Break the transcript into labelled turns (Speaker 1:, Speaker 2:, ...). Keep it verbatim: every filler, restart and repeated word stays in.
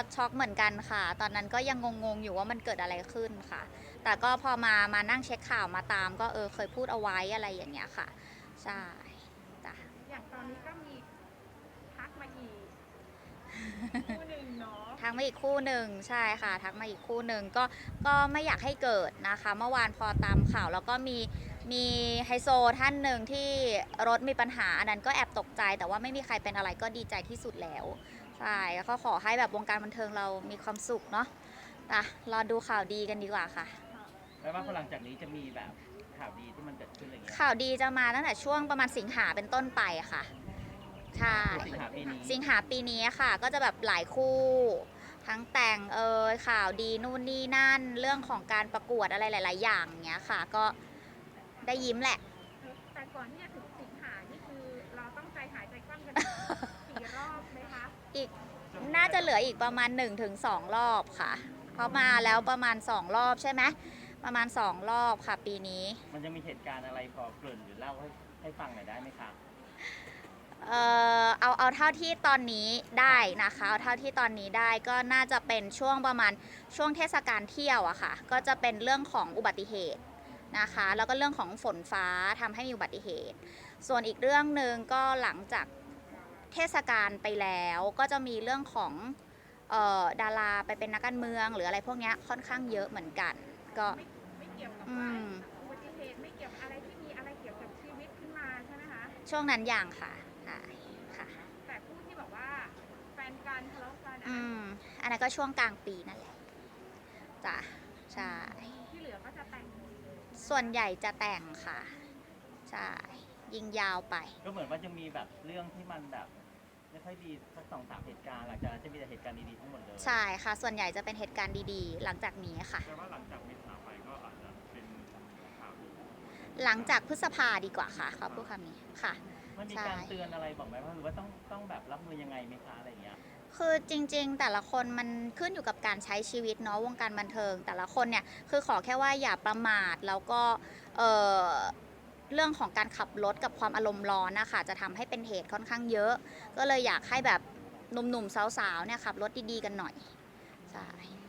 Speaker 1: ช็อกเหมือนกันค่ะตอนนั้นก็ยังงงๆอยู่ว่ามันเกิดอะไรขึ้นค่ะ แต่ก็พอมามานั่งเช็คข่าวมาตามก็เออเคยพูดเอาไว้อะไรอย่างเงี้ยค่ะใช่จ้ะ
Speaker 2: อย่างตอนนี้ก็มีทักมาอีกคู่หนึ่งเนาะ
Speaker 1: ทักมาอีกคู่หนึ่งใช่ค่ะทักมาอีกคู่หนึ่งก็ก็ไม่อยากให้เกิดนะคะเมื่อวานพอตามข่าวแล้วก็มีมีไฮโซท่านหนึ่งที่รถมีปัญหาอันนั้นก็แอบตกใจแต่ว่าไม่มีใครเป็นอะไรก็ดีใจที่สุดแล้วใช่แล้วก็ขอให้แบบวงการบันเทิงเรามีความสุขเนาะอ่ะรอดูข่าวดีกันดีกว่าค่ะ
Speaker 3: แล้วว่าพอหลังจากนี้จะมีแบบข่าวดีที่มันเกิดขึ้นอะไรเงี้ย
Speaker 1: ข่าวดีจะมาตั้งแต่ช่วงประมาณสิงหาเป็นต้นไปค่ะใช่
Speaker 3: คือสิงหาปีนี้
Speaker 1: สิงหาปีนี้ค่ะก็จะแบบหลายคู่ทั้งแต่งเอยข่าวดีนู่นนี่นั่นเรื่องของการประกวดอะไรหลายๆอย่างเงี้ยค่ะก็ได้ยิ้มแหละ
Speaker 2: แต่ก่อนที่จะถึงสิงหานี่คือเราต้องใจหายใจคว่ำกันกี่รอบไหมคะ
Speaker 1: อีกน่าจะเหลืออีกประมาณ หนึ่งถึงสอง รอบค่ะเพราะมาแล้วประมาณสองรอบใช่ไหมประมาณสองรอบค่ะปีนี้
Speaker 3: มันจะมีเหตุการณ์อะไรพอเกริ่นหรือเล่าให้ให้ฟังหน่อยได้ไหมคะ
Speaker 1: เออเอาเอาเท่าที่ตอนนี้ได้นะคะเอาเท่าที่ตอนนี้ได้ก็น่าจะเป็นช่วงประมาณช่วงเทศกาลเที่ยวอะค่ะก็จะเป็นเรื่องของอุบัติเหตุนะคะแล้วก็เรื่องของฝนฟ้าทำให้มีอุบัติเหตุส่วนอีกเรื่องหนึ่งก็หลังจากเทศกาลไปแล้วก็จะมีเรื่องของเอ่อดาราไปเป็นนักการเมืองหรืออะไรพวกนี้ค่อนข้างเยอะเหมือนกันก็
Speaker 2: ไม่ไม่เกี่ยวกับ
Speaker 1: อื
Speaker 2: ว่า
Speaker 1: ม
Speaker 2: อุบัติเหตุไม่เกี่ยวกับอะไรที่มีอะไรเกี่ยวกับชีวิตขึ้นมาใช่ไหมคะ
Speaker 1: ช่วงนั้นอย่างค่ะใช่ค่ะ
Speaker 2: แต่ผู้ที่บอกว่าแฟนกันทะเลาะกันอัน
Speaker 1: อื
Speaker 2: นั้น
Speaker 1: มอันนั้นก็ช่วงกลางปีนั่นแหละจ้ะใช่
Speaker 2: ที่เหลือก็จะแต่งหมดเลย
Speaker 1: ส่วนใหญ่จะแต่งค่ะใช่ยิงยาวไป
Speaker 3: ก็เหมือนว่าจะมีแบบเรื่องที่มันแบบไม่ค่อยดีสักสองสามเหตุการณ์หลังจากนั้นจะมีแต่เหตุการณ์ดีๆทั้งหมดเลย
Speaker 1: ใช่ค่ะส่วนใหญ่จะเป็นเหตุการณ์ดีๆหลังจากนี้ค่ะ
Speaker 3: แต่ว่าหลังจากมีข่าวไปก็อาจจะเป็นข่าวดี
Speaker 1: หลังจากพฤษภาดีกว่าค่ะเขาพูดคำนี้ค่ะ
Speaker 3: มันมี
Speaker 1: ใช่
Speaker 3: การเตือนอะไรบอกไหมว่าหรือว่าต้องต้องแบบรับมือยังไงไหมคะอะไรเงี้ย
Speaker 1: คือจริงๆแต่ละคนมันขึ้นอยู่กับการใช้ชีวิตเนาะวงการบันเทิงแต่ละคนเนี่ยคือขอแค่ว่าอย่าประมาทแล้วก็เออเรื่องของการขับรถกับความอารมณ์ร้อนนะคะจะทำให้เป็นเหตุค่อนข้างเยอะก็เลยอยากให้แบบหนุ่มๆสาวๆเนี่ยขับรถดีๆกันหน่อยใช่